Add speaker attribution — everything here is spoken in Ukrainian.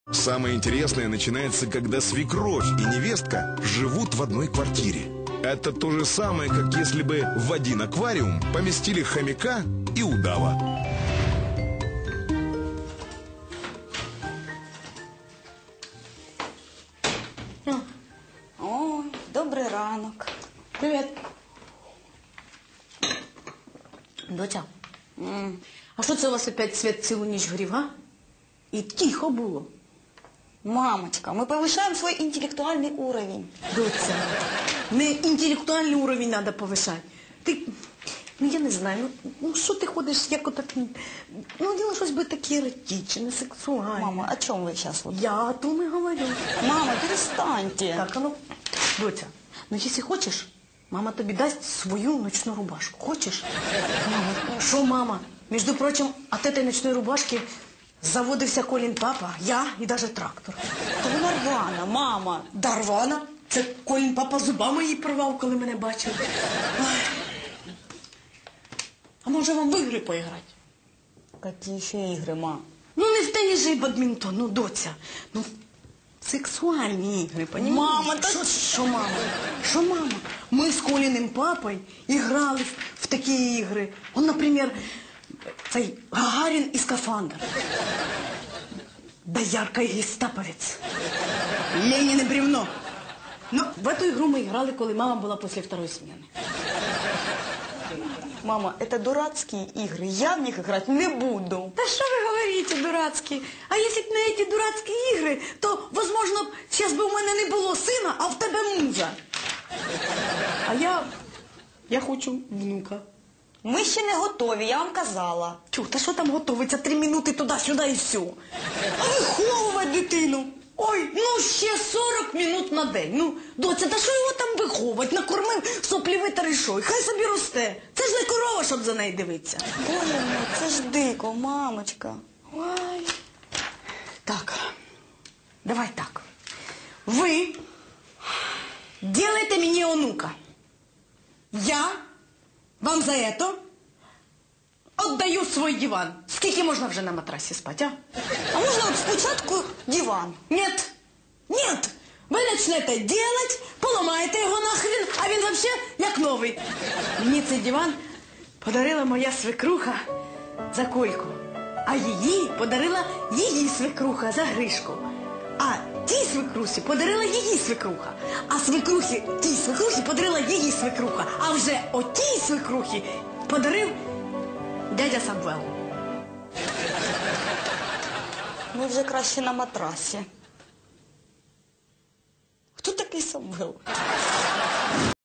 Speaker 1: Самое интересное начинается, когда свекровь и невестка живут в одной квартире. Это то же самое, как если бы в один аквариум поместили хомяка и удава.
Speaker 2: Ой, добрий ранок.
Speaker 3: Привет. Доця, а що це у вас опять світ цілу ніч горів, а? І тихо було.
Speaker 2: Мамочка, мы повышаем свой интеллектуальный уровень.
Speaker 3: Доця, не інтелектуальний уровень треба повишати. Ти, я не знаю, що ти ходиш, як отак, діло щось би таке еротичне, сексуальне.
Speaker 2: Мама, о чем вы сейчас?
Speaker 3: Я о том и говорю.
Speaker 2: Мама, перестаньте.
Speaker 3: Так, доця, якщо хочеш, мама тобі дасть свою ночну рубашку. Хочеш? Мама, що мама? Між прочим, от этой ночної рубашки заводився Колін папа, я і навіть трактор.
Speaker 2: Та вона рвана, мама.
Speaker 3: Да рвана? Це Колін папа зубами її порвав, коли мене бачив. Ой. А може вам в ігри поіграти?
Speaker 2: Какие еще игры, ма?
Speaker 3: Не в теніс же і бадмінтон, доця. Сексуальні ігри, понімаєш?
Speaker 2: Мама, та...
Speaker 3: Що мама? Що мама? Ми з Коліним папою грали в такі ігри. Наприклад, цей Гагарін і скафандр. Доярка і гестаповець. Ленін і бревно. В эту игру мы играли, коли мама была после второй смены.
Speaker 2: Мама, это дурацкие игры. Я в них играть не буду.
Speaker 3: Да что вы говорите, дурацкие? А если б на эти дурацкие игры, то, возможно, сейчас бы у меня не было сына, а в тебе мужа. А я хочу внука.
Speaker 2: Ми ще не готові, я вам казала.
Speaker 3: Чу, та що там готовиться? 3 минути туди-сюди і все. А виховувати дитину? Ой, ще 40 минут на день. Доця, та що його там виховувати? Накормив, соплі витер і що? І хай собі росте. Це ж не корова, щоб за нею дивитися.
Speaker 2: Боже мой, це ж дико, мамочка.
Speaker 3: Ой. Так, давай так. Ви делаете мені онука. Я вам за это отдаю свой диван. Скільки можна вже на матрасі спати, а?
Speaker 2: А можна от спочатку диван?
Speaker 3: Нет, нет. Ви почнете делать, поламаєте його нахрен, а він вообще як новий. Мені цей диван подарила моя свекруха за Кольку, а її подарила її свекруха за Гришку. А тій свекрусі подарила її свекруха. А свекрухі тій свекрухі подарила її свекруха. А вже отій свекрухі подарив дядя Самвел.
Speaker 2: Ми вже краще на матрасі. Хто такий Самвел?